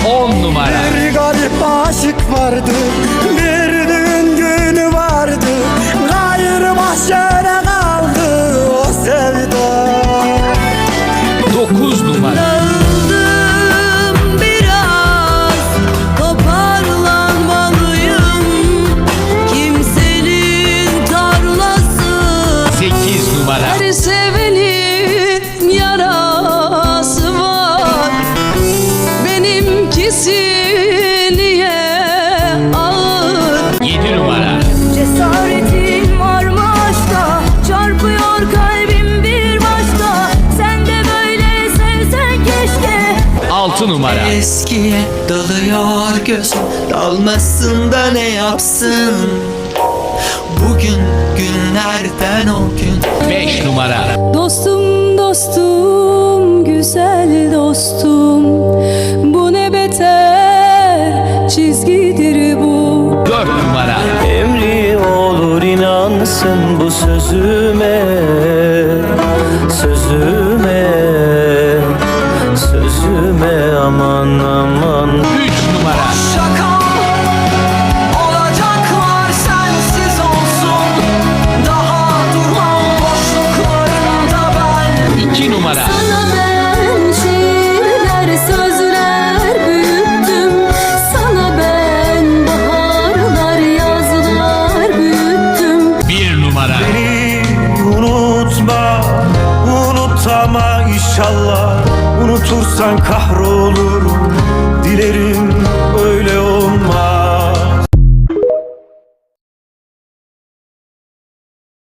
10 numara. Bir garip aşık vardı, bir düğün günü vardı, gayrı mahşere kaldı o sevda. 9 numara. Dağıldım biraz, toparlanmalıyım. Kimsenin tarlası. 8 numara. Her sevenin yarası var. Benimkisi niye ağır? 7 numara. Cesaretin var mı aşkta? Çarpıyor kalbim bir başka. Sen de böyle sevsen keşke. 6 numara. Eskiye dalıyor gözüm, dalmasın da ne yapsın? Bugün günlerden o gün. 5 numara. Dostum dostum, güzel dostum, bu ne beter çizgidir bu. 4 numara. Emri olur inansın bu sözüme, sözüme, sözüme, aman aman. 3 numara. Şaka olacaklar sensiz olsun. Daha durmam boşluklarında ben. 2 numara. Sana ben şiirler, sözler büyüttüm. Sana ben baharlar, yazlar büyüttüm. 1 numara. Beni unutma, unutama inşallah. Unutursan kahrolurum, dilerim